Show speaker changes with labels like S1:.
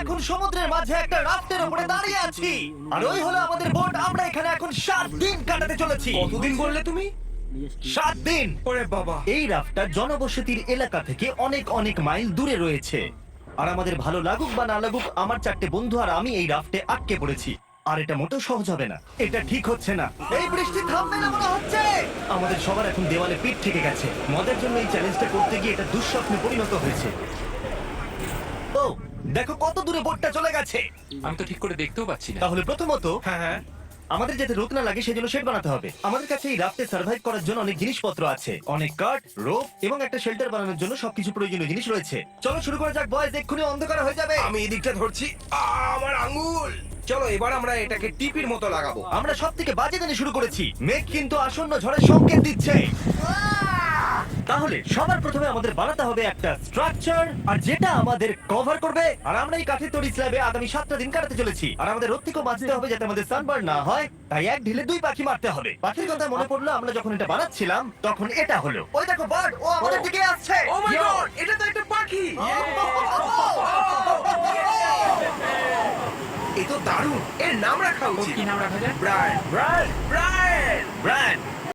S1: এখন সমুদ্রের মাঝে একটা রাফটের উপরে দাঁড়িয়ে আছি আর ওই হলো আমাদের বোট। আমরা এখানে এখন 7 দিন কাটাতে চলেছি।
S2: কতদিন বললে তুমি?
S1: 7 দিন।
S2: ওরে বাবা।
S1: এই রাফটটা জনবসতির এলাকা থেকে অনেক অনেক মাইল দূরে রয়েছে। আর আমাদের ভালো লাগুক বা না লাগুক, আমার 4টে বন্ধু আর আমি এই রাফটে আটকে পড়েছি। আর এটা মোটেও সহজ হবে না, এটা ঠিক হচ্ছে না। এই বৃষ্টি থামবে না মনে হচ্ছে। আমাদের সবার এখন দেওয়ালে পিঠ থেকে গেছে। মজার জন্য এই চ্যালেঞ্জটা করতে গিয়ে এটা দুঃস্বপ্নে পরিণত হয়েছে। ও দেখো কত দূরে বোটটা চলে গেছে।
S3: আমি তো ঠিক করে দেখতেও পাচ্ছি না।
S1: তাহলে প্রথমত
S2: হ্যাঁ হ্যাঁ।
S1: আমাদের যাতে রোদ না লাগে সেজন্য শেড বানাতে হবে। আমাদের কাছে এই রাফটে সার্ভাইভ করার জন্য অনেক জিনিসপত্র আছে, অনেক কাঠ, রোপ এবং একটা শেল্টার বানানোর জন্য সবকিছু প্রয়োজনীয় জিনিস রয়েছে। চলো শুরু করা যাক বয়স, এক্ষুনি অন্ধকার হয়ে যাবে।
S2: আমি এদিকটা ধরছি। আমার আঙ্গুল। চলো এবার আমরা এটাকে টিপির মতো লাগাবো।
S1: আমরা সব থেকে বাজে দিনে শুরু করেছি। মেঘ কিন্তু আসন্ন ঝড়ের সংকেত দিচ্ছে। তাহলে সবার প্রথমে আমাদের বানাতে হবে একটা স্ট্রাকচার, আর যেটা আমাদের কভার করবে। আর আমরা এই কাঠের তৈরি স্ল্যাবে আগামী 7টা দিন কাটাতে চলেছি। আর আমাদের রোদ থেকেও বাঁচতে হবে যাতে আমাদের সানবার্ন না হয়। তাই এক ঢিলে 2 পাখি মারতে হবে। পাখির কথা মনে পড়লো, আমরা যখন এটা বানাচ্ছিলাম তখন এটা হলো। ওই দেখো বার্ড, ও আমাদের দিকে আসছে।
S2: ও মাই গড, এটা তো একটা পাখি। এ তো দারুণ। এর নাম রাখা
S3: ওর
S2: উচিত।
S3: কি নাম রাখা যায়?
S2: ব্রায়ান।
S1: Brian,
S2: Brian.
S1: ব্রায়ান।